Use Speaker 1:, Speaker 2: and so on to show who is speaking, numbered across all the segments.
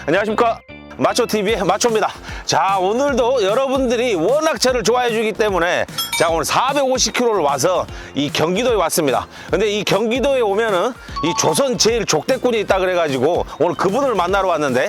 Speaker 1: 안녕하십니까, 마초TV의 마초입니다. 자, 오늘도 여러분들이 워낙 저를 좋아해 주기 때문에 자, 오늘 450km를 와서 이 경기도에 왔습니다. 근데 이 경기도에 오면은 이 조선 제일 족대꾼이 있다 그래가지고 오늘 그분을 만나러 왔는데,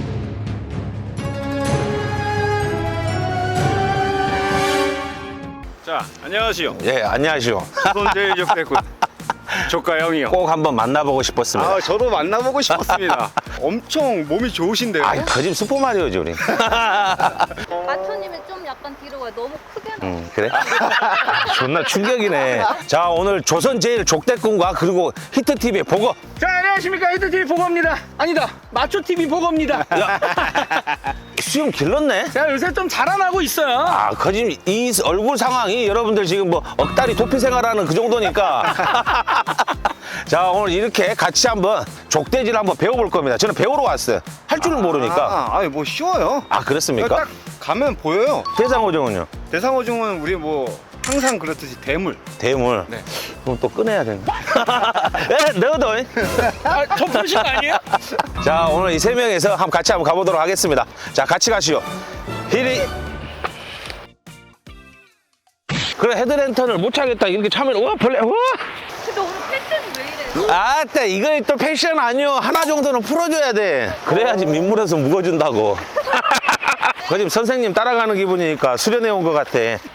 Speaker 2: 자, 안녕하시오.
Speaker 1: 예, 안녕하시오.
Speaker 2: 손제일 적대꾼 조카 형이요.
Speaker 1: 꼭 한번 만나보고 싶었습니다.
Speaker 2: 아, 저도 만나보고 싶었습니다. 엄청 몸이 좋으신데요.
Speaker 1: 아, 거짓 슈퍼마리오지 우리.
Speaker 3: 마초님이 좀 약간 뒤로 가요. 너무 크게 나.
Speaker 1: 그래? 존나 충격이네. 자, 오늘 조선 제일 족대꾼과 그리고 히트TV의 보거.
Speaker 4: 자, 안녕하십니까. 히트TV 보거입니다. 아니다, 마초TV 보거입니다.
Speaker 1: 수염 길렀네?
Speaker 4: 제가 요새 좀 자라나고 있어요.
Speaker 1: 아, 거짓, 이 얼굴 상황이 여러분들 지금 뭐 억다리 도피 생활하는 그 정도니까. 자, 오늘 이렇게 같이 한번 족대질 한번 배워볼 겁니다. 저는 배우러 왔어요. 할 줄은 모르니까.
Speaker 2: 아니 뭐 쉬워요.
Speaker 1: 아, 그렇습니까?
Speaker 2: 딱 가면 보여요.
Speaker 1: 대상어종은요?
Speaker 2: 대상어종은 우리 뭐 항상 그렇듯이 대물.
Speaker 1: 대물.
Speaker 2: 네.
Speaker 1: 그럼 또 꺼내야 되는 에, 너도.
Speaker 4: 아, 저 보신 거 아니에요?
Speaker 1: 자, 오늘 이 세 명에서 같이 한번 가보도록 하겠습니다. 자, 같이 가시오. 히리. 그래, 헤드랜턴을 못 차겠다. 이렇게 차면, 우와, 벌레, 우와!
Speaker 3: 근데 오늘 패션이 왜 이래요?
Speaker 1: 아따, 이거 또 패션 아니오. 하나 정도는 풀어줘야 돼. 그래야지 민물에서 묵어준다고. 그 지금 선생님 따라가는 기분이니까 수련해 온 것 같아.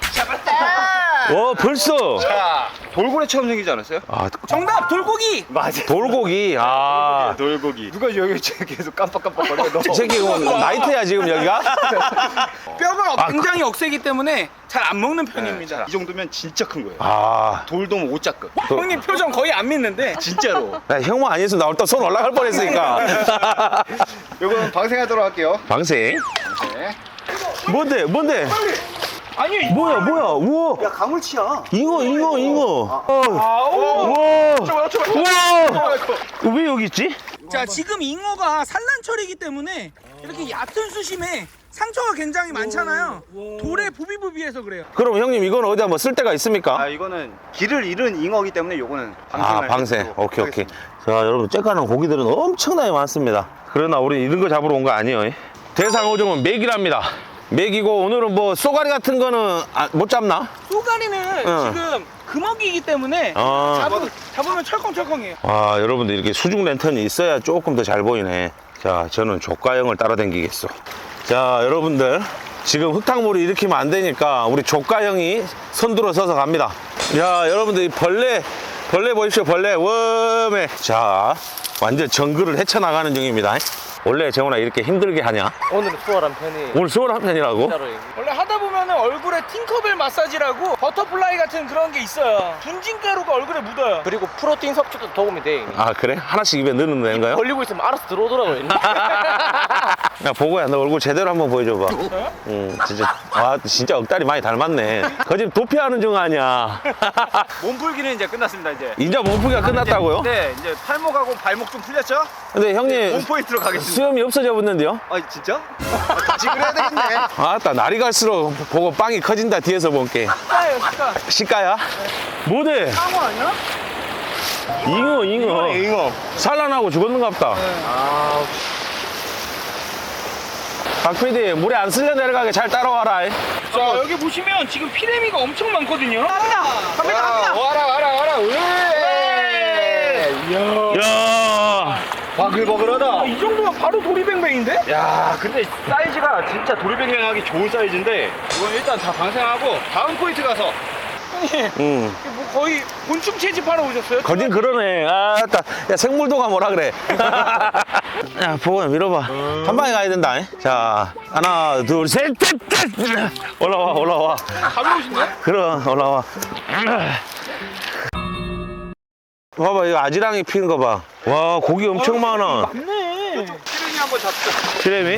Speaker 1: 벌써.
Speaker 2: 자, 돌고래처럼 생기지 않았어요?
Speaker 1: 아,
Speaker 4: 정답, 돌고기.
Speaker 2: 맞아.
Speaker 1: 돌고기. 아.
Speaker 2: 돌고기. 누가 여기 계속 깜빡깜빡거려? 너.
Speaker 1: 이 새끼 이거 나이트야, 지금 여기가?
Speaker 4: 뼈가 굉장히 억세기 때문에 잘 안 먹는 편입니다.
Speaker 2: 이 정도면 진짜 큰 거예요.
Speaker 1: 아.
Speaker 2: 돌돔 5자급.
Speaker 4: 형님 표정 거의 안 믿는데.
Speaker 2: 진짜로.
Speaker 1: 야, 형만 아니었으면 나 일단 손 올라갈 뻔했으니까.
Speaker 2: 요거는 방생하도록 할게요.
Speaker 1: 방생.
Speaker 2: 네.
Speaker 1: 뭔데?
Speaker 4: 아니,
Speaker 1: 뭐야? 우와.
Speaker 2: 야, 가물치야.
Speaker 1: 잉어.
Speaker 4: 아우.
Speaker 1: 우와. 왜 여기 있지?
Speaker 4: 자, 지금 잉어가 산란철이기 때문에 이렇게 얕은 수심에 상처가 굉장히 많잖아요. 돌에 부비부비해서 그래요.
Speaker 1: 그럼 형님, 이건 어디 한번 쓸 데가 있습니까?
Speaker 2: 아, 이거는 길을 잃은 잉어기 때문에 요거는
Speaker 1: 아,
Speaker 2: 방생을
Speaker 1: 방생.
Speaker 2: 해보도록
Speaker 1: 오케이.
Speaker 2: 하겠습니다.
Speaker 1: 자, 여러분, 째까는 고기들은 엄청나게 많습니다. 그러나 우리 이런 거 잡으러 온 거 아니에요. 대상어종은 메기랍니다. 메기고, 오늘은 뭐 쏘가리 같은 거는 못 잡나?
Speaker 4: 쏘가리는
Speaker 1: 응.
Speaker 4: 지금 금어기이기 때문에
Speaker 1: 아.
Speaker 4: 잡으면 철컹철컹해요.
Speaker 1: 아, 여러분들 이렇게 수중 랜턴이 있어야 조금 더 잘 보이네. 자, 저는 조가형을 따라다니겠어. 자, 여러분들, 지금 흙탕물이 일으키면 안 되니까 우리 조가형이 선두로 서서 갑니다. 야, 여러분들, 이 벌레 보십시오. 벌레 웜에. 자, 완전 정글을 헤쳐나가는 중입니다. 원래 재훈아 이렇게 힘들게 하냐?
Speaker 5: 오늘은 수월한 편이
Speaker 1: 오늘 수월한 편이라고?
Speaker 5: 진짜로
Speaker 4: 원래 하다 보면 얼굴에 팅커벨 마사지라고 버터플라이 같은 그런 게 있어요. 분진가루가 얼굴에 묻어요.
Speaker 5: 그리고 프로틴 섭취도 도움이 돼 이미.
Speaker 1: 아, 그래? 하나씩 입에 넣는 건가요?
Speaker 5: 걸리고 있으면 알아서 들어오더라고요.
Speaker 1: 야, 보고야, 너 얼굴 제대로 한번 보여줘봐.
Speaker 4: 저요?
Speaker 1: 진짜 억다리 많이 닮았네. 거짓 도피하는 중 아니야.
Speaker 2: 몸풀기는 이제 끝났습니다, 이제.
Speaker 1: 인자 몸풀기가 끝났다고요?
Speaker 2: 네, 이제 팔목하고 발목 좀 풀렸죠?
Speaker 1: 근데 형님,
Speaker 2: 몸포인트로 가겠습니다.
Speaker 1: 수염이 없어져 붙는데요?
Speaker 2: 아, 진짜? 다시 그래야 되겠네.
Speaker 1: 아따, 날이 갈수록 보고 빵이 커진다, 뒤에서 본게.
Speaker 4: 식가예요, 식가.
Speaker 1: 시가야? 뭐대?
Speaker 4: 상어 아니야?
Speaker 1: 잉어.
Speaker 2: 잉어.
Speaker 1: 산란하고 죽었는갑다. 박PD, 물에 안 쓸려 내려가게 잘 따라와라.
Speaker 4: 자, 여기 보시면 지금 피레미가 엄청 많거든요. 갑니다.
Speaker 2: 와라.
Speaker 1: 야,
Speaker 2: 바글바글하다.
Speaker 4: 이 정도면 바로 도리뱅뱅인데?
Speaker 2: 야, 근데 사이즈가 진짜 도리뱅뱅하기 좋은 사이즈인데 이건 일단 다 방생하고 다음 포인트 가서
Speaker 4: 형님,
Speaker 1: 응.
Speaker 4: 이게 뭐 거의 곤충 채집하러 오셨어요?
Speaker 1: 거진 그러네. 아따, 야, 생물도가 뭐라 그래. 야, 보고야, 밀어봐. 한 방에 가야 된다. 자, 하나, 둘, 셋, 넷. 올라와.
Speaker 4: 가벼우신데?
Speaker 1: 그럼, 올라와. 봐봐, 이거 아지랑이 피는 거 봐. 와, 고기 엄청 많아.
Speaker 4: 맞네.
Speaker 2: 시름이 한번 잡자.
Speaker 1: 시래미?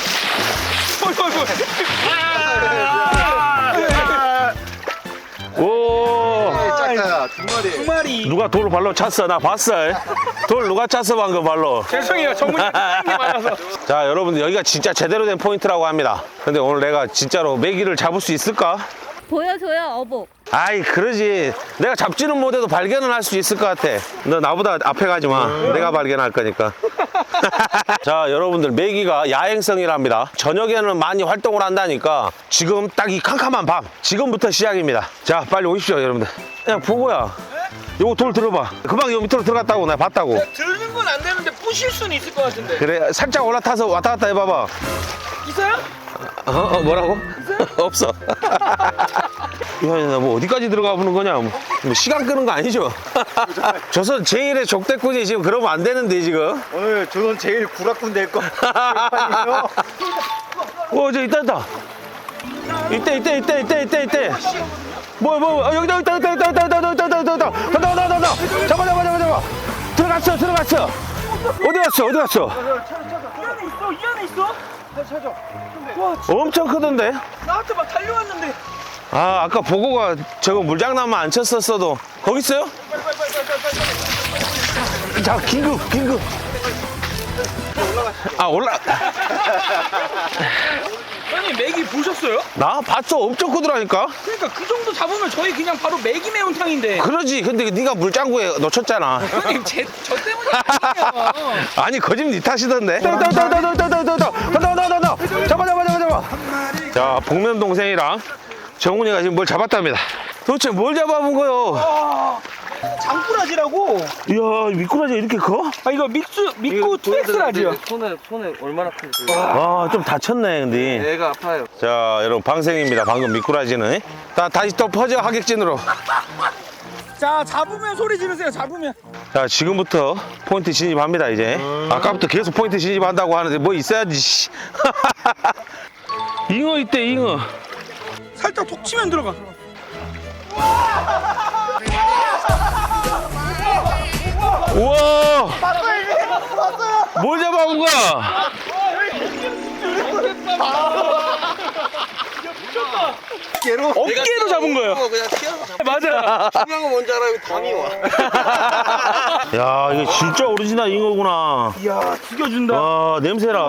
Speaker 1: 오,
Speaker 2: 작다. 두 마리.
Speaker 4: 두 마리.
Speaker 1: 누가 돌 발로 찼어? 나 봤어. 돌 누가 찼어, 방금 발로?
Speaker 4: 죄송해요, 전문님 많아서.
Speaker 1: 자, 여러분들, 여기가 진짜 제대로 된 포인트라고 합니다. 근데 오늘 내가 진짜로 메기를 잡을 수 있을까?
Speaker 3: 보여줘요, 어복.
Speaker 1: 아이 그러지. 내가 잡지는 못해도 발견은 할 수 있을 것 같아. 너 나보다 앞에 가지 마. 내가 발견할 거니까. 자, 여러분들 메기가 야행성이랍니다. 저녁에는 많이 활동을 한다니까 지금 딱 이 캄캄한 밤 지금부터 시작입니다. 자, 빨리 오십시오 여러분들. 야, 보고야. 요거 돌 들어봐. 금방 요 밑으로 들어갔다고 내가 봤다고.
Speaker 4: 들는 건 안 되는데 부실 수는 있을 것 같은데.
Speaker 1: 그래, 살짝 올라타서 왔다 갔다 해봐봐.
Speaker 4: 있어요?
Speaker 1: 뭐라고? 없어. 야, 뭐 어디까지 들어가 보는 거냐? 뭐 시간 끄는 거 아니죠? 조선 제1의 족대꾼이 지금 그러면 안 되는데 지금.
Speaker 2: 오늘 조선 제일 구락군 될 거.
Speaker 1: 저 있다. 이때. 여기다. 간다. 잡아. 들어갔어. 어디 갔어?
Speaker 4: 이 안에 있어?
Speaker 1: 엄청 크던데?
Speaker 4: 나한테 막 달려왔는데.
Speaker 1: 아, 아까 보고가 저거 물장난만 안 쳤었어도. 거기 있어요? 자, 긴급.
Speaker 4: 형님 메기 보셨어요?
Speaker 1: 나 봤어. 엄청 크더라니까.
Speaker 4: 그러니까 그 정도 잡으면 저희 그냥 바로 메기 매운탕인데.
Speaker 1: 그러지. 근데 네가 물장구에 놓쳤잖아.
Speaker 4: 형님 저 때문에 아니에요.
Speaker 1: 아니, 거짓말 니 탓이던데. 간다. 잡아. 자, 복면 동생이랑 정훈이가 지금 뭘 잡았답니다. 도대체 뭘 잡아본 거요?
Speaker 4: 장꾸라지라고.
Speaker 1: 이야, 미꾸라지가 이렇게 커?
Speaker 4: 아 이거 믿고 2X라지요.
Speaker 5: 손에 얼마나 큰지.
Speaker 1: 아, 좀 다쳤네, 근데.
Speaker 5: 애가 아파요.
Speaker 1: 자, 여러분, 방생입니다. 방금 미꾸라지는. 다시 또 퍼져, 하객진으로.
Speaker 4: 자 잡으면 소리 지르세요. 잡으면.
Speaker 1: 자, 지금부터 포인트 진입합니다, 이제. 아까부터 계속 포인트 진입한다고 하는데 뭐 있어야지, 씨. 잉어 있대, 잉어.
Speaker 4: 살짝 톡 치면 들어가.
Speaker 1: 우와! 뭘 잡아온 거야?
Speaker 4: 어깨로 잡은 거예요.
Speaker 5: 그냥 튀어서
Speaker 4: 맞아.
Speaker 5: 중요한 건 뭔지 알아요? 담이 와.
Speaker 1: 야, 이거 진짜 오리지널 잉어구나.
Speaker 4: 이야 죽여준다.
Speaker 1: 와, 냄새라.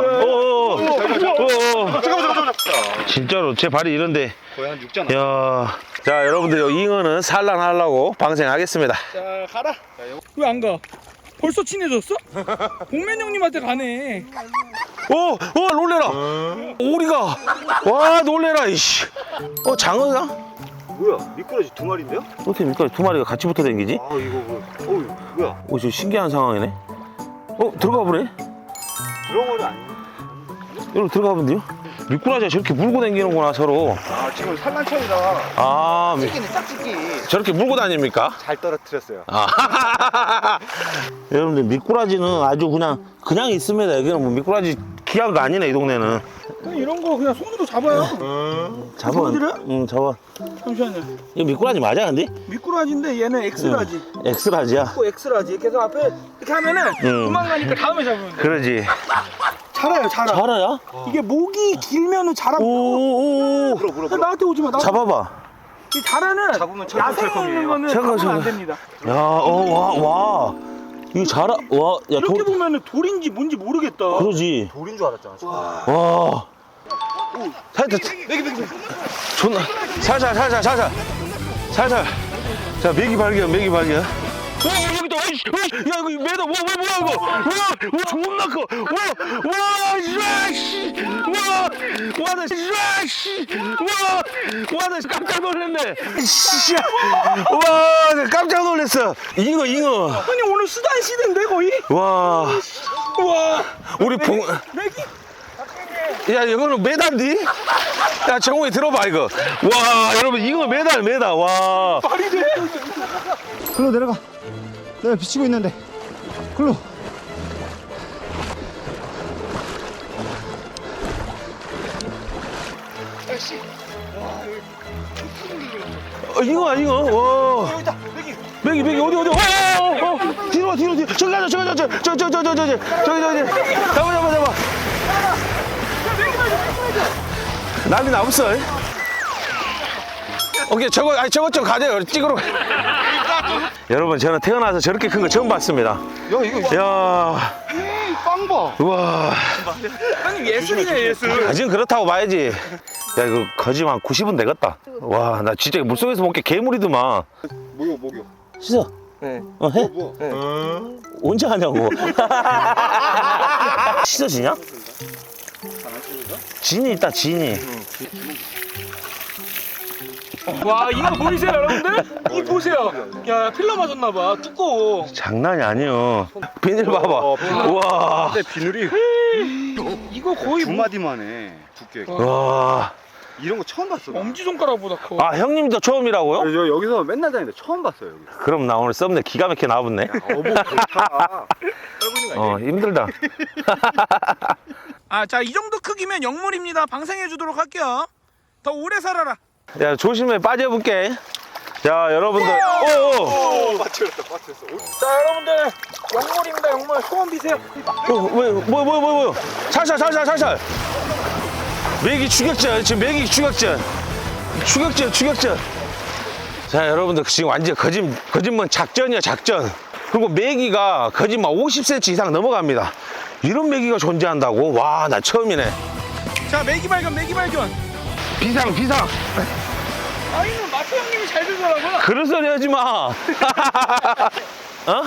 Speaker 1: 잠깐만. 진짜로 제 발이 이런데.
Speaker 2: 거의 한 6장.
Speaker 1: 야, 자, 여러분들 이 잉어는 산란하려고 방생하겠습니다.
Speaker 2: 자, 가라.
Speaker 4: 왜 안 가? 벌써 친해졌어? 복면 형님한테 가네.
Speaker 1: 놀래라. 오리가. 와, 놀래라, 이씨. 장어야?
Speaker 2: 뭐야? 미꾸라지 2마리인데요?
Speaker 1: 어떻게 미꾸라지 2마리가 같이 붙어 댕기지?
Speaker 2: 아, 이거 뭐야?
Speaker 1: 저 신기한 상황이네. 들어가 보네.
Speaker 2: 들어온 건 아니에요?
Speaker 1: 여기로 들어가 본데요? 미꾸라지가 저렇게 물고 다니는구나, 서로.
Speaker 2: 아, 지금 산란철이라
Speaker 1: 아,
Speaker 2: 찍기는 짝짓기.
Speaker 1: 저렇게 물고 다닙니까?
Speaker 2: 잘 떨어뜨렸어요.
Speaker 1: 여러분들, 미꾸라지는 아주 그냥 있습니다. 여기는 뭐 미꾸라지 귀한 거 아니네, 이 동네는.
Speaker 4: 그냥 이런 거 그냥 손으로 잡아요.
Speaker 1: 잡아.
Speaker 4: 손들어?
Speaker 1: 응, 잡아.
Speaker 4: 잠시만요.
Speaker 1: 이거 미꾸라지 맞아, 근데?
Speaker 4: 미꾸라지인데 얘는 X라지.
Speaker 1: 엑스라지야.
Speaker 4: 또 X라지. 계속 앞에 이렇게 하면은 도망가니까 다음에 잡으면 돼.
Speaker 1: 그러지.
Speaker 4: 자라요, 자라.
Speaker 1: 자라야?
Speaker 4: 이게 목이 길면은 자라.
Speaker 1: 오오오.
Speaker 4: 나한테 오지 마.
Speaker 1: 잡아봐.
Speaker 4: 이 자라는
Speaker 2: 잡으면
Speaker 4: 야생에 있는 거는
Speaker 1: 잠깐,
Speaker 4: 잡으면 안
Speaker 1: 잠깐.
Speaker 4: 됩니다.
Speaker 1: 야, 와. 이거 자라, 와. 야,
Speaker 4: 이렇게 보면은 돌인지 뭔지 모르겠다.
Speaker 1: 그러지.
Speaker 2: 돌인 줄 알았잖아.
Speaker 1: 와. 살짝. 존나. 살살. 자, 메기 발견. 여기다. 야, 이거 매다. 뭐야, 이거. 와, 존나 커. 나 깜짝 놀랐네. 나 깜짝 놀랐어. 잉어.
Speaker 4: 아니 오늘 수단 시대인데 거의?
Speaker 1: 와.
Speaker 4: 우와.
Speaker 1: 우리 봉.
Speaker 4: 메기?
Speaker 1: 야, 이거는 메달디? 야, 정우이 들어봐, 이거. 와, 여러분, 잉어 메달. 와.
Speaker 4: 말이 돼.
Speaker 6: 글로 내려가. 내가 비치고 있는데. 글로.
Speaker 1: 잉어. 와. 메기 어디? 뒤로. 저기 가자. 저기. 잡아. 난리 나없어. 오케이, 저거 좀 가져요. 찍으러. 여러분, 저는 태어나서 저렇게 큰 거 처음 봤습니다. 야,
Speaker 2: 빵 봐.
Speaker 1: 우와.
Speaker 4: 형님 예술이네 예술.
Speaker 1: 지금 그렇다고 봐야지. 야 이거 거짓말 한 90은 되겠다. 와 나 진짜 물속에서 먹게 괴물이더만.
Speaker 2: 목욕.
Speaker 1: 씻어.
Speaker 5: 네.
Speaker 1: 해?
Speaker 2: 뭐?
Speaker 1: 언제 하냐고. 씻어지냐? 진이 있다 진이.
Speaker 4: 와 이거 보이세요 여러분들? 이 보세요. 야 필러 맞았나봐. 두꺼워.
Speaker 1: 장난이 아니요. 비닐 봐봐. 우와.
Speaker 2: 근데 비늘이
Speaker 4: 이거 거의
Speaker 2: 두 마디만 해. 두께가.
Speaker 1: 와.
Speaker 2: 이런 거 처음 봤어. 나.
Speaker 4: 엄지손가락보다 커.
Speaker 1: 아 형님도 처음이라고요?
Speaker 2: 저 여기서 맨날 다니는데 처음 봤어요. 여기.
Speaker 1: 그럼 나 오늘 썸네 기가 막히게 나와봤네.
Speaker 2: 어머 좋다.
Speaker 1: 힘들다.
Speaker 4: 아 자 이 정도 크기면 영물입니다. 방생해 주도록 할게요. 더 오래 살아라.
Speaker 1: 야 조심해 빠져볼게. 자 여러분들. 오.
Speaker 2: 맞췄어.
Speaker 4: 자 여러분들 영물입니다. 영물 소원 비세요.
Speaker 1: 뭐. 살살. 매기 추격전 지금 매기 추격전. 자 여러분들 지금 완전 거짓말 작전이야 작전. 그리고 매기가 거짓말 50cm 이상 넘어갑니다. 이런 매기가 존재한다고? 와 나 처음이네.
Speaker 4: 자 메기 발견.
Speaker 1: 비상.
Speaker 4: 아이는 마트 형님이 잘 들더라고요.
Speaker 1: 그런 소리 하지 마. 어?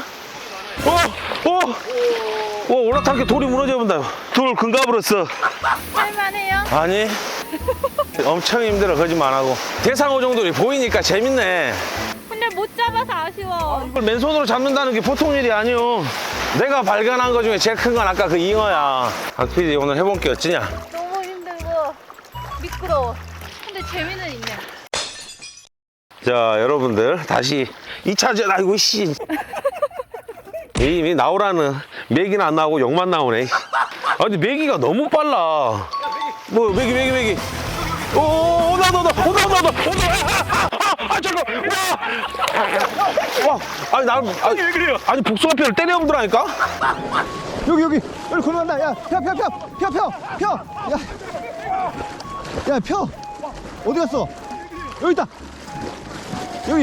Speaker 1: 올라타게 돌이 무너져 본다. 돌 금가버렸어.
Speaker 3: 할만해요?
Speaker 1: 아니. 엄청 힘들어 거짓말 안 하고. 대상어 정도로 보이니까 재밌네.
Speaker 3: 근데 못 잡아서 아쉬워.
Speaker 1: 이걸 맨손으로 잡는다는 게 보통 일이 아니오. 내가 발견한 것 중에 제일 큰 건 아까 그 잉어야. 박PD 오늘 해본 게 어찌냐?
Speaker 3: 너무 힘들고 미끄러워. 근데 재미는 있네.
Speaker 1: 자 여러분들 다시 2차전. 아이고 씨. 이미 나오라는 메기는 안 나오고 욕만 나오네. 아 근데 메기가 너무 빨라. 뭐 메기. 오 온다. 잠깐. 와. 아니 왜 그래요? 아니 복숭아뼈를 때려보더라니까.
Speaker 6: 여기 걸어간다. 야 펴. 야 펴. 어디 갔어? 여기 있다. 여기.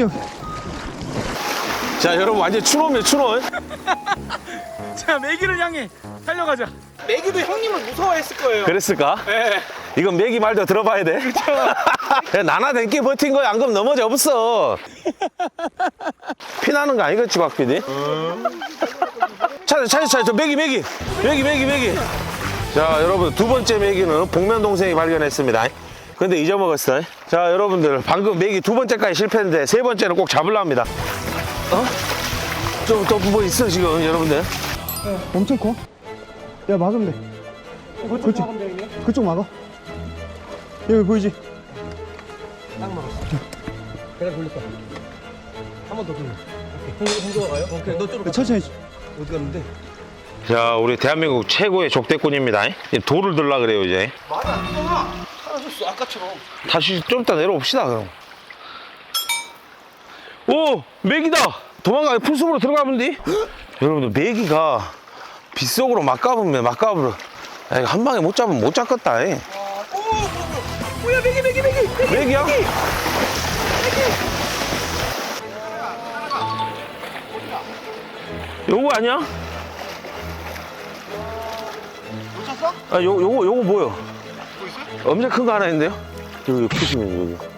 Speaker 1: 자 여러분 완전 추노면 추노.
Speaker 4: 자 메기를 향해 달려가자. 메기도 형님을 무서워했을 거예요.
Speaker 1: 그랬을까?
Speaker 4: 네.
Speaker 1: 이건 메기 말도 들어봐야 돼. 그렇죠. 나나 댕기 버틴 거야. 안 그럼 넘어져 없어. 피나는 거 아니겠지 박PD? 찾아 메기. 자 여러분 두 번째 메기는 복면 동생이 발견했습니다. 근데 잊어먹었어. 자 여러분들 방금 메기 두 번째까지 실패했는데 세 번째는 꼭 잡으려 합니다. 좀 또 뭐 있어 지금 여러분들?
Speaker 6: 엄청 커. 야 막으면 돼. 그렇지. 그쪽 막아. 여기 보이지? 딱 막았어. 내가 돌렸다. 한 번 더 돌려. 오케이. 홍조가 가요? 오케이. 너 쪽으로. 천천히. 어디 갔는데?
Speaker 1: 자 우리 대한민국 최고의 족대꾼입니다. 이제 돌을 들라 그래요 이제.
Speaker 2: 말이 안 되잖아. 사라졌어 아까처럼.
Speaker 1: 다시 좀 이따 내려옵시다 그럼. 오 메기다. 도망가 풀숲으로 들어가면 돼. 여러분들 메기가 빗속으로 막 가보면 한 방에 못 잡으면 못 잡겠다.
Speaker 4: 뭐야 메기.
Speaker 1: 메기야? 요거 아니야?
Speaker 2: 놓쳤어?
Speaker 1: 아 요거 뭐요? 엄청 큰 거 하나 있는데요? 여기 보시면 여기.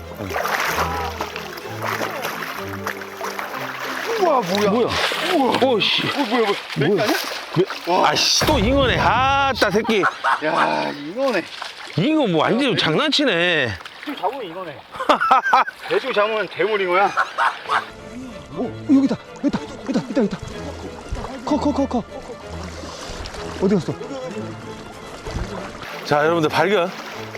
Speaker 2: 우와 뭐야?
Speaker 1: 오씨.
Speaker 2: 뭐야? 메기 아니야?
Speaker 1: 아씨 또 잉어네. 아따 새끼.
Speaker 2: 야 이거네.
Speaker 1: 잉어 뭐 완전 장난치네.
Speaker 2: 지금 잡으면 이거네. 대충 잡으면 대물잉어야.
Speaker 6: 오 여기다. 커. 어디 갔어?
Speaker 1: 자 여러분들 발견.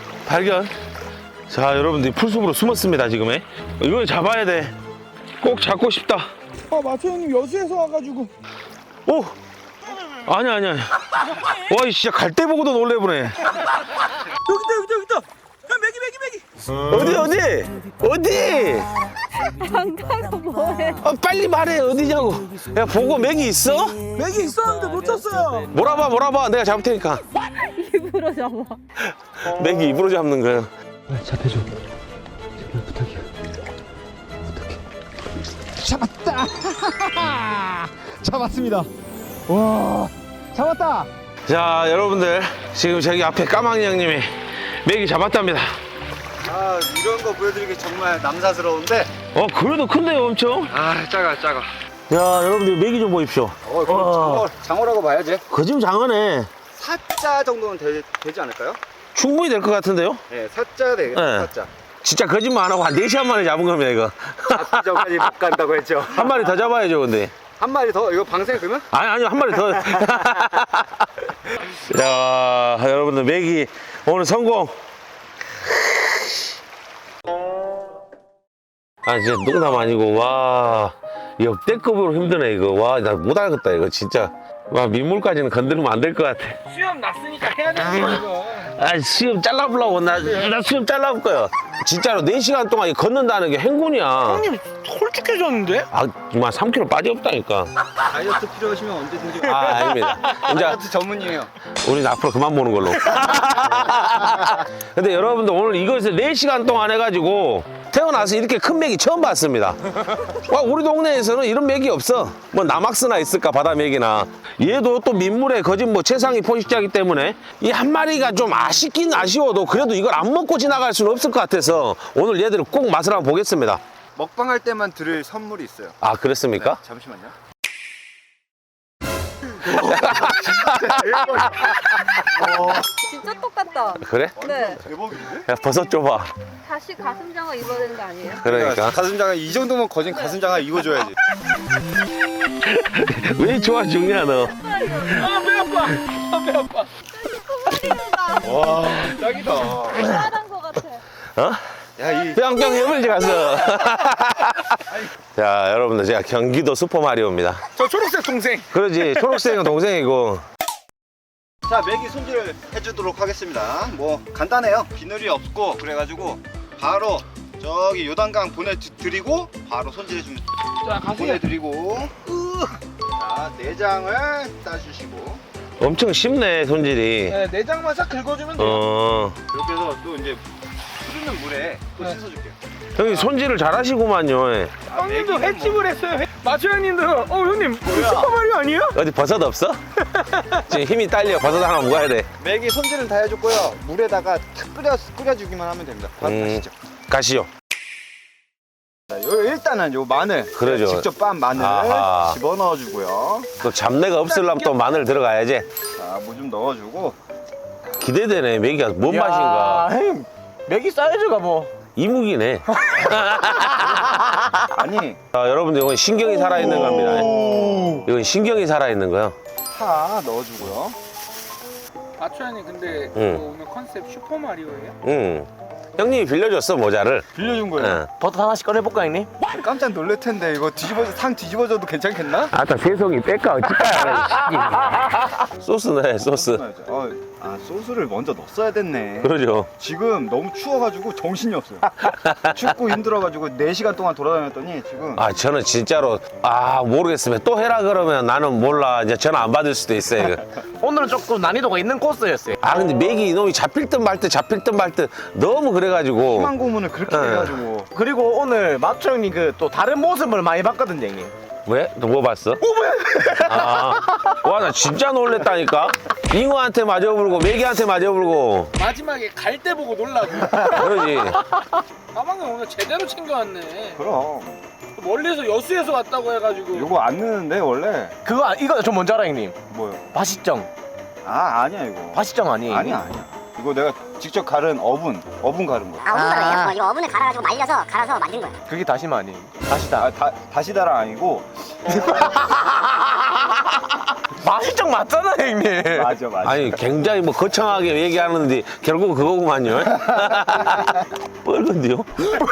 Speaker 1: 자 여러분들 풀숲으로 숨었습니다 지금. 이걸 잡아야 돼. 꼭 잡고 싶다.
Speaker 4: 마트 형님 여수에서 와가지고.
Speaker 1: 오! 아니야. 와, 이 진짜 갈 때 보고도 놀래보네.
Speaker 4: 여기 있다. 야 메기.
Speaker 1: 어디?
Speaker 3: 장가가 뭐해?
Speaker 1: 빨리 말해, 어디냐고. 야, 보고 맥이 있어?
Speaker 4: 메기 있었는데 놓쳤어요.
Speaker 1: 몰아봐. 내가 잡을 테니까.
Speaker 3: 입으로 잡아.
Speaker 1: 맥이 입으로 잡는 거야.
Speaker 6: 잡혀줘. 제발 부탁해. 잡았다. 잡았습니다. 와, 잡았다.
Speaker 1: 자, 여러분들. 지금 저기 앞에 까망이 형님이 메기 잡았답니다.
Speaker 2: 아 이런 거 보여드리기 정말 남사스러운데.
Speaker 1: 그래도 큰데요, 엄청?
Speaker 2: 아 작아.
Speaker 1: 야, 여러분들 메기 좀 보십시오.
Speaker 2: 그럼 장어라고 봐야지.
Speaker 1: 거짓 장어네.
Speaker 2: 4자 정도는 되지 않을까요?
Speaker 1: 충분히 될 것 같은데요?
Speaker 2: 네, 4자 되겠다.
Speaker 1: 네.
Speaker 2: 4자.
Speaker 1: 진짜 거짓말 안 하고 한 4시간 만에 잡은 겁니다, 이거.
Speaker 2: 저까지 못 간다고 했죠.
Speaker 1: 한 마리 더 잡아야죠, 근데.
Speaker 2: 한 마리 더 이거 방생 그러면?
Speaker 1: 아니요, 한 마리 더. 야, 여러분들, 메기 오늘 성공. 진짜 농담 아니고, 와. 역대급으로 힘드네, 이거. 와, 나 못 알겠다, 이거, 진짜. 와, 민물까지는 건드리면 안 될 것 같아.
Speaker 4: 수염 났으니까 해야 되는 거 이거.
Speaker 1: 수염 잘라보려고. 나 수염 잘라볼 거야. 진짜로 4시간 동안 이 걷는다는 게 행군이야.
Speaker 4: 형님 홀쭉해졌는데?
Speaker 1: 정말 3kg 빠지없다니까.
Speaker 2: 다이어트 필요하시면 언제든지.
Speaker 1: 아닙니다. 이제
Speaker 2: 다이어트 전문이에요.
Speaker 1: 우리 앞으로 그만 보는 걸로. 근데 여러분들 오늘 이것을 4시간 동안 해가지고 태어나서 이렇게 큰 맥이 처음 봤습니다. 우리 동네에서는 이런 맥이 없어. 뭐 남악스나 있을까, 바다 맥이나. 얘도 또 민물에 거진 뭐 최상위 포식자이기 때문에 이 한 마리가 좀 아쉽긴 아쉬워도 그래도 이걸 안 먹고 지나갈 수는 없을 것 같아서 오늘 얘들을 꼭 맛을 한번 보겠습니다.
Speaker 2: 먹방할 때만 드릴 선물이 있어요.
Speaker 1: 아, 그렇습니까?
Speaker 2: 잠시만요.
Speaker 3: 진짜 똑같다.
Speaker 1: 그래?
Speaker 3: 네.
Speaker 2: 대박인데?
Speaker 1: 야, 버섯 줘봐.
Speaker 3: 다시 가슴 장어 입어야 되는 거 아니에요?
Speaker 1: 그러니까.
Speaker 2: 가슴장어 이 정도면 거진 가슴장어 입어줘야지.
Speaker 1: 왜 좋아 죽냐, 너?
Speaker 4: 배 아파. 배 아파.
Speaker 2: 와 짱이다.
Speaker 3: 따라한 거 같아.
Speaker 2: 야이
Speaker 1: 뿅뿅 해물지 가서. 자, 여러분들, 제가 경기도 슈퍼마리오입니다.
Speaker 4: 저 초록색 동생.
Speaker 1: 그러지, 초록색은 동생이고.
Speaker 2: 자, 메기 손질을 해주도록 하겠습니다. 뭐 간단해요. 비늘이 없고 그래가지고 바로 저기 요단강 보내드리고 바로 손질해주면
Speaker 4: 자 가세요.
Speaker 2: 보내드리고 자 내장을 따주시고
Speaker 1: 엄청 쉽네, 손질이.
Speaker 4: 네, 내장만 싹 긁어주면 돼요.
Speaker 2: 이렇게 해서 또 이제 흐르는 물에 또
Speaker 4: 네.
Speaker 2: 씻어줄게요.
Speaker 1: 형님 손질을 잘하시구만요. 예.
Speaker 4: 형님도 횟집을 했어요. 마초 형님도 형님 슈퍼마리오 아니에요?
Speaker 1: 어디 버섯 없어? 지금 힘이 딸려. 버섯 하나 먹어야 돼.
Speaker 2: 메기 손질은 다 해줬고요. 물에다가 탁 끓여주기만 하면 됩니다. 바로 가시죠.
Speaker 1: 가시죠.
Speaker 2: 자, 일단은 요 마늘
Speaker 1: 그러죠.
Speaker 2: 직접 빻은 마늘
Speaker 1: 아하.
Speaker 2: 집어넣어주고요.
Speaker 1: 또 잡내가 없으려면 또 마늘 들어가야지.
Speaker 2: 자, 무 좀 넣어주고
Speaker 1: 기대되네. 메기가 뭔 맛인가.
Speaker 5: 형님 메기 사이즈가 뭐
Speaker 1: 이묵이네.
Speaker 2: 아니
Speaker 1: 자, 여러분들 이건 신경이 살아있는 겁니다. 이건 신경이 살아있는 거요.
Speaker 2: 파 넣어주고요.
Speaker 4: 마초 형님 근데
Speaker 1: 응.
Speaker 4: 이거 오늘 컨셉 슈퍼마리오예요?
Speaker 1: 응. 형님이 빌려줬어, 모자를.
Speaker 2: 빌려준 거예요.
Speaker 1: 응.
Speaker 5: 버섯 하나씩 꺼내볼까 형님?
Speaker 2: 깜짝 놀랄 텐데 이거 상 뒤집어져도 괜찮겠나?
Speaker 1: 아따, 세송이 뺄까, 어찌까. 소스 넣어야 소스.
Speaker 2: 소스를 먼저 넣었어야 됐네.
Speaker 1: 그러죠.
Speaker 2: 지금 너무 추워가지고 정신이 없어요. 춥고 힘들어가지고 4시간 동안 돌아다녔더니 지금
Speaker 1: 저는 진짜로, 모르겠으면 또 해라 그러면 나는 몰라. 이제 전화 안 받을 수도 있어요, 이거.
Speaker 5: 오늘은 조금 난이도가 있는 코스였어요.
Speaker 1: 근데 맥이 이놈이 잡힐 듯 말 듯 잡힐 듯 말 듯 너무 그래가지고.
Speaker 2: 희망 고문을 그렇게
Speaker 1: 네.
Speaker 2: 해가지고
Speaker 5: 그리고 오늘 마초 형님 그 또 다른 모습을 많이 봤거든요 형님.
Speaker 1: 왜? 너 뭐 봤어? 와, 나 진짜 놀랬다니까? 잉어한테 맞아불고 메기한테 맞아불고.
Speaker 4: 마지막에 갈 때 보고 놀라고.
Speaker 1: 그러지.
Speaker 4: 가방을 오늘 제대로 챙겨왔네.
Speaker 2: 그럼
Speaker 4: 멀리서 여수에서 왔다고 해가지고.
Speaker 2: 이거 안 넣는데 원래
Speaker 5: 이거 저 뭔지 알아 형님?
Speaker 2: 뭐요?
Speaker 5: 바시정.
Speaker 2: 아니야 이거.
Speaker 5: 바시정 아니에요?
Speaker 2: 아니야. 이거 내가 직접 갈은 어분 가른 거야.
Speaker 7: 어분가루예요? 이거 어분을 갈아가지고 말려서 갈아서 만든 거예요.
Speaker 5: 그게 다시마 아니에요? 다시다.
Speaker 2: 다시다랑 아니고
Speaker 5: 바시정 맞잖아 형님.
Speaker 2: 맞아.
Speaker 1: 아니, 굉장히 뭐 거창하게 얘기하는데 결국 그거구만요. 뻘건데요?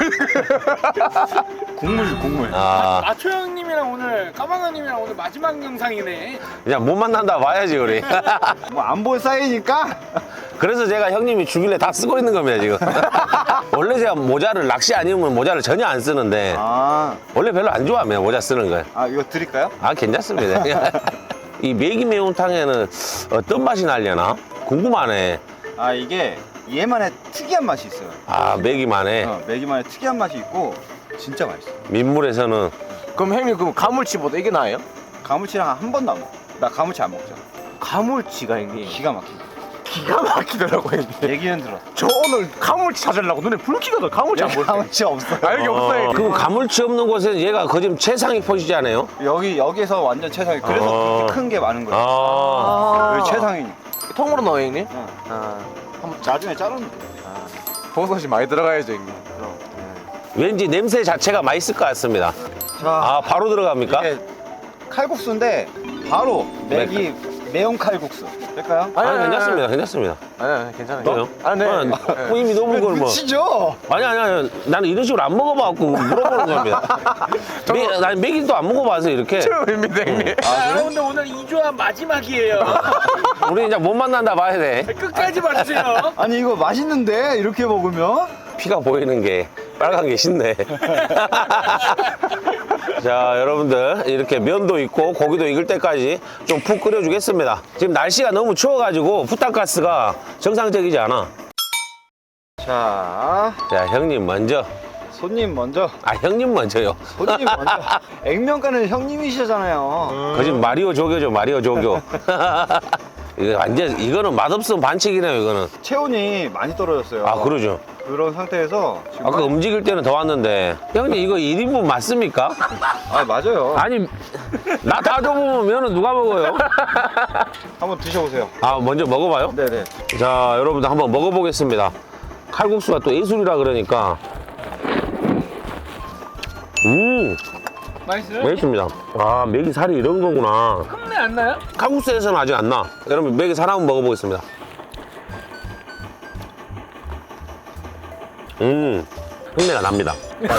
Speaker 2: 국물.
Speaker 4: 마초 형님이랑 오늘 까방 형님이랑 오늘 마지막 영상이네.
Speaker 1: 그냥 못 만난다 봐야지, 우리.
Speaker 2: 뭐 안 볼 사이니까.
Speaker 1: 그래서 제가 형님이 주길래 다 쓰고 있는 겁니다, 지금. 원래 제가 모자를 낚시 아니면 모자를 전혀 안 쓰는데 원래 별로 안 좋아합니다, 모자 쓰는 걸.
Speaker 2: 이거 드릴까요?
Speaker 1: 괜찮습니다. 이 메기 매운탕에는 어떤 맛이 나려나? 궁금하네.
Speaker 2: 이게 얘만의 특이한 맛이 있어요.
Speaker 1: 메기만에.
Speaker 2: 메기만의 특이한 맛이 있고 진짜 맛있어.
Speaker 1: 민물에서는.
Speaker 5: 그럼 형님 그럼 가물치보다 이게 나아요?
Speaker 2: 가물치랑 한 번도 안 먹어. 나 가물치 안 먹잖아.
Speaker 5: 가물치가 형님.
Speaker 2: 기가 막힌다.
Speaker 5: 기가 막히더라고 형님.
Speaker 2: 얘기는 들어.
Speaker 5: 저 오늘 가물치 찾으려고 눈에 불 켜거든. 가물치 안 보여.
Speaker 2: 가물치 없어.
Speaker 5: 아 여기 없어요.
Speaker 1: 그럼 가물치 없는 곳에는 얘가 거짓 최상위 포지지 않아요?
Speaker 2: 여기서 완전 최상위. 그래서 그렇게 큰 게 많은 거야.
Speaker 1: 아.
Speaker 2: 여기 최상위.
Speaker 5: 통으로 넣어 형님?
Speaker 2: 나중에 자르면 돼.
Speaker 5: 버섯이 많이 들어가야죠 형님.
Speaker 1: 왠지 냄새 자체가 맛있을 것 같습니다.
Speaker 2: 자,
Speaker 1: 아, 바로 들어갑니까?
Speaker 2: 이게 칼국수인데 바로 맥이 매운 칼국수. 될까요?
Speaker 1: 아니, 괜찮습니다. 괜찮습니다.
Speaker 5: 아니 괜찮아요.
Speaker 1: 그래요?
Speaker 5: 아 네.
Speaker 1: 이미 너무 걸 뭐.
Speaker 2: 치죠.
Speaker 1: 아니. 나는 이런 식으로 안 먹어봐갖고 물어보는 겁니다. 난 맥이도 안 먹어봐서 이렇게.
Speaker 5: 처음입니다 형님.
Speaker 4: 자, 여러분들 오늘 2조합 마지막이에요.
Speaker 1: 우리 이제 못 만난다 봐야 돼.
Speaker 4: 끝까지 봐주세요.
Speaker 2: 아니 이거 맛있는데 이렇게 먹으면?
Speaker 1: 피가 보이는 게 빨간 게 쉽네. 자, 여러분들 이렇게 면도 있고 고기도 익을 때까지 좀 푹 끓여주겠습니다. 지금 날씨가 너무 추워가지고 부탄가스가 정상적이지 않아.
Speaker 2: 자,
Speaker 1: 자, 형님 먼저.
Speaker 2: 손님 먼저.
Speaker 1: 아, 형님 먼저요.
Speaker 2: 손님 먼저. 액면가는 형님이시잖아요.
Speaker 1: 거짓 마리오 조교죠, 마리오 조교. 이거 완전 이거는 맛없으면 반칙이네요, 이거는.
Speaker 2: 체온이 많이 떨어졌어요.
Speaker 1: 아, 그러죠.
Speaker 2: 그런 상태에서 지금
Speaker 1: 아까 움직일 때는 더 왔는데. 형님 이거 1인분 맞습니까?
Speaker 2: 아 맞아요.
Speaker 1: 아니, 나 다 줘보면 면은 누가 먹어요?
Speaker 2: 한번 드셔보세요.
Speaker 1: 아, 먼저 먹어봐요?
Speaker 2: 네네.
Speaker 1: 자, 여러분들 한번 먹어보겠습니다. 칼국수가 또 예술이라 그러니까.
Speaker 4: 맛있어요?
Speaker 1: 맛있습니다. 아, 맥이 살이 이런 거구나.
Speaker 4: 흠내 안 나요?
Speaker 1: 칼국수에서는 아직 안 나. 여러분, 맥이 살 한번 먹어보겠습니다. 흉내가 납니다.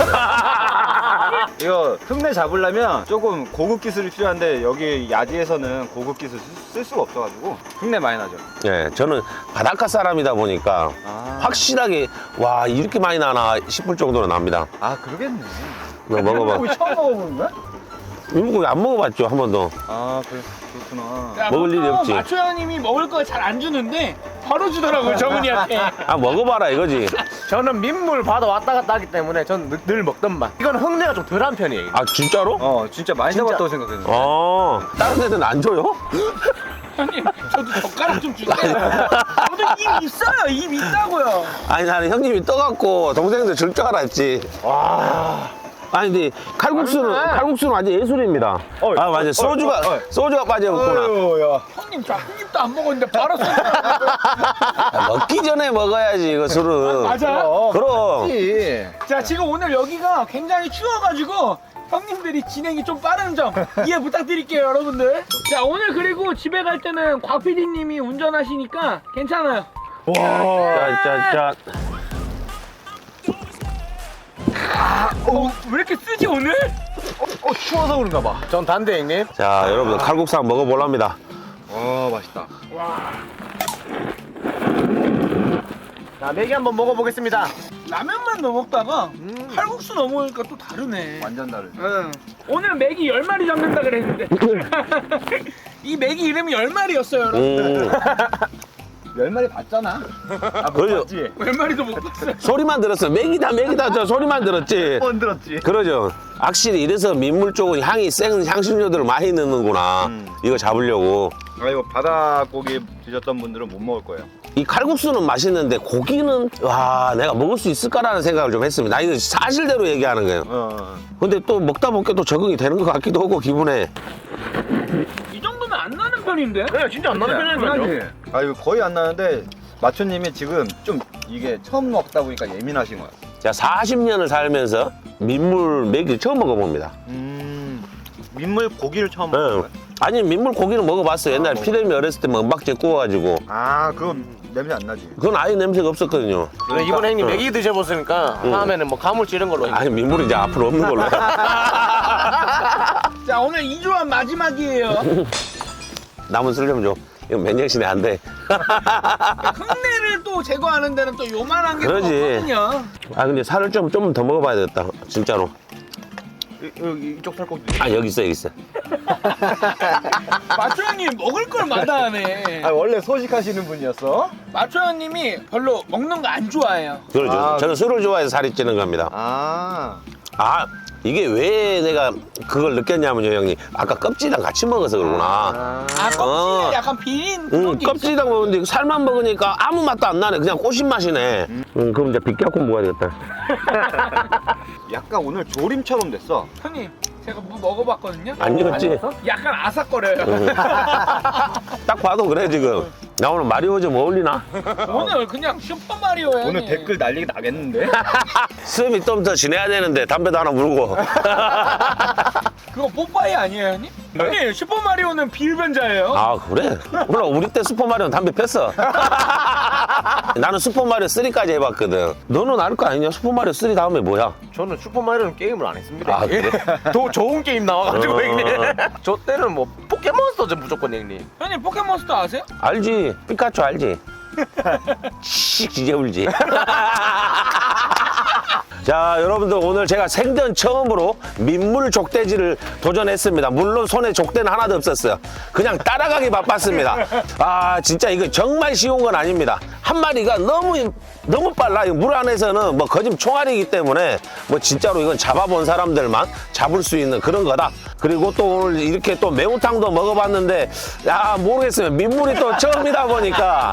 Speaker 2: 이거 흉내 잡으려면 조금 고급 기술이 필요한데 여기 야지에서는 고급 기술 쓸 수가 없어가지고 흉내 많이 나죠.
Speaker 1: 예, 저는 바닷가 사람이다 보니까 확실하게 와, 이렇게 많이 나나 싶을 정도로 납니다.
Speaker 2: 아 그러겠네.
Speaker 1: 너 먹어봐.
Speaker 2: 처음 먹어보는 거야?
Speaker 1: 일물고기 안 먹어봤죠, 한 번도.
Speaker 2: 아 그렇구나.
Speaker 4: 자,
Speaker 1: 먹을 일이 없지.
Speaker 4: 마초야님이 먹을 거 잘 안 주는데 바로 주더라고요 정은이한테.
Speaker 1: 아, 먹어봐라 이거지.
Speaker 5: 저는 민물 바다 왔다 갔다 하기 때문에 전 늘 먹던 맛. 이건 흙내가 좀 덜한 편이에요.
Speaker 1: 아, 진짜로?
Speaker 2: 진짜 많이
Speaker 5: 진짜.
Speaker 2: 잡았다고 생각했는데.
Speaker 1: 다른 애들은 안 줘요?
Speaker 4: 형님 저도 젓가락 좀 주세요. 저도 입 있어요. 입 있다고요.
Speaker 1: 아니, 나는 형님이 떠갖고 동생들 줄 줄 알았지. 아니, 근데 칼국수는 완전 예술입니다. 아, 맞아. 소주가 빠져있구나.
Speaker 2: 야.
Speaker 4: 형님 저 한 입도 안 먹었는데 바로 쏘.
Speaker 1: 먹기 전에 먹어야지, 이거 술은.
Speaker 4: 맞아요?
Speaker 1: 그럼.
Speaker 4: 자 지금 오늘 여기가 굉장히 추워가지고 형님들이 진행이 좀 빠른 점 이해 부탁드릴게요 여러분들. 자 오늘 그리고 집에 갈 때는 곽 PD님이 운전하시니까 괜찮아요.
Speaker 1: 짠.
Speaker 4: 왜 이렇게 쓰지 오늘?
Speaker 2: 추워서 그런가 봐.
Speaker 5: 전 단대 형님.
Speaker 1: 자, 여러분들 칼국수 한번 먹어볼랍니다.
Speaker 2: 맛있다.
Speaker 5: 자 맥이 한번 먹어보겠습니다.
Speaker 4: 라면만 넣어 먹다가 칼국수 넣어 먹으니까 또 다르네.
Speaker 2: 완전 다르지.
Speaker 4: 응. 오늘 맥이 10마리 잡는다 그랬는데 이 맥이 이름이 10마리였어요 여러분.
Speaker 2: 10마리 봤잖아.
Speaker 1: 그러죠.
Speaker 4: 10마리도 못 봤어요.
Speaker 1: 소리만 들었어. 맥이다. 저 소리만 들었지.
Speaker 2: 뻔 들었지.
Speaker 1: 그러죠. 확실히 이래서 민물 쪽은 향이 센 향신료들을 많이 넣는구나. 이거 잡으려고.
Speaker 2: 이거 바닷고기 드셨던 분들은 못 먹을 거예요.
Speaker 1: 이 칼국수는 맛있는데 고기는 와, 내가 먹을 수 있을까라는 생각을 좀 했습니다. 나 이거 사실대로 얘기하는 거예요. 근데 또 먹다 보니까 또 적응이 되는 것 같기도 하고 기분에.
Speaker 4: 이 정도면 안 나는 편인데?
Speaker 5: 네 진짜 안 나는 편이거든요.
Speaker 2: 이거 거의 안 나는데 마초님이 지금 좀 이게 처음 먹다 보니까 예민하신 거야.
Speaker 1: 제가 40년을 살면서 민물 맥을 처음 먹어봅니다.
Speaker 2: 민물 고기를 처음 먹는
Speaker 1: 네.
Speaker 2: 거야?
Speaker 1: 아니, 민물 고기는 먹어봤어요. 옛날에 피레미 어렸을 때 뭐 은박지 구워가지고.
Speaker 2: 그건 냄새 안 나지.
Speaker 1: 그건 아예 냄새가 없었거든요.
Speaker 5: 그래, 이번에 형님 맥이 드셔보시니까 다음에는 뭐 가물치 이런 걸로.
Speaker 1: 아니, 민물이 이제 앞으로 없는 걸로.
Speaker 4: 자 오늘 2조합 마지막이에요.
Speaker 1: 남은 술 좀 줘. 이거 맨정신에 안 돼.
Speaker 4: 흙내를 또 제거하는 데는 또 요만한 게 또
Speaker 1: 그러지.
Speaker 4: 없거든요.
Speaker 1: 아, 근데 살을 좀 더 먹어봐야 되겠다. 진짜로.
Speaker 2: 이쪽 살코기.
Speaker 1: 아, 여기 있어.
Speaker 4: 마초 형님 먹을 걸 마다하네.
Speaker 2: 원래 소식하시는 분이었어?
Speaker 4: 마초 형님이 별로 먹는 거 안 좋아해요.
Speaker 1: 그러죠. 저는 술을 좋아해서 살이 찌는 겁니다.
Speaker 2: 아.
Speaker 1: 아, 이게 왜 내가 그걸 느꼈냐면요, 형님. 아까 껍질이랑 같이 먹어서 그러구나.
Speaker 4: 아, 껍질에 약간 비린 그런 게 있어.
Speaker 1: 껍질이랑 먹는데 살만 먹으니까 아무 맛도 안 나네. 그냥 꼬신 맛이네. 그럼 이제 비껴갖고 먹어야 되겠다.
Speaker 2: 약간 오늘 조림처럼 됐어.
Speaker 4: 형님, 제가 뭐 먹어봤거든요.
Speaker 1: 안 익었지?
Speaker 4: 약간 아삭거려요.
Speaker 1: 딱 봐도 그래, 지금. 나 오늘 마리오 좀 어울리나?
Speaker 4: 오늘 그냥 슈퍼 마리오야.
Speaker 2: 오늘 댓글 난리 나겠는데?
Speaker 1: 수염이 좀 더 지내야 되는데 담배도 하나 물고.
Speaker 4: 그거 뽀빠이 아니에요, 형님? 형님, 슈퍼 마리오는 비흡연자예요.
Speaker 1: 아, 그래? 몰라, 우리 때 슈퍼마리오는 담배 폈어. 나는 슈퍼마리오 3까지 해봤거든. 너는 알 거 아니냐? 슈퍼마리오 3 다음에 뭐야?
Speaker 5: 저는 슈퍼마리오는 게임을 안 했습니다.
Speaker 1: 아, 그래?
Speaker 5: 더 좋은 게임 나와가지고
Speaker 1: 어.
Speaker 5: 형님. 저 때는 뭐 포켓몬스터죠 무조건 형님.
Speaker 4: 형님, 포켓몬스터 아세요?
Speaker 1: 알지? 피카츄 알지? 씩 지제 울지. 자, 여러분들 오늘 제가 생전 처음으로 민물 족대지를 도전했습니다. 물론 손에 족대는 하나도 없었어요. 그냥 따라가기 바빴습니다. 아, 진짜 이거 정말 쉬운 건 아닙니다. 한 마리가 너무 빨라. 물 안에서는 뭐 거짓 총알이기 때문에 뭐 진짜로 이건 잡아본 사람들만 잡을 수 있는 그런 거다. 그리고 또 오늘 이렇게 또 매운탕도 먹어봤는데 야, 모르겠어요. 민물이 또 처음이다 보니까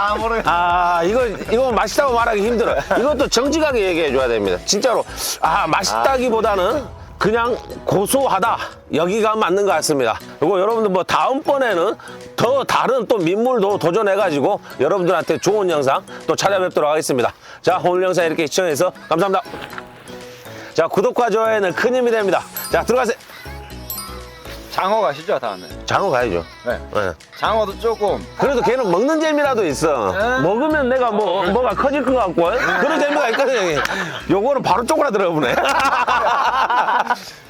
Speaker 1: 이거 맛있다고 말하기 힘들어. 이것도 정직하게 얘기해 줘야 됩니다. 진짜로 맛있다기보다는 그냥 고소하다, 여기가 맞는 것 같습니다. 그리고 여러분들 뭐 다음번에는 더 다른 또 민물도 도전해가지고 여러분들한테 좋은 영상 또 찾아뵙도록 하겠습니다. 자, 오늘 영상 이렇게 시청해주셔서 감사합니다. 자, 구독과 좋아요는 큰 힘이 됩니다. 자, 들어가세요.
Speaker 2: 장어 가시죠, 다음에.
Speaker 1: 장어 가야죠.
Speaker 2: 네.
Speaker 1: 네.
Speaker 2: 장어도 조금.
Speaker 1: 그래도 걔는 먹는 재미라도 있어. 먹으면 내가 뭐가 커질 것 같고 그런 재미가 있거든요. 형님. 요거는 바로 쪼그라들어 보네.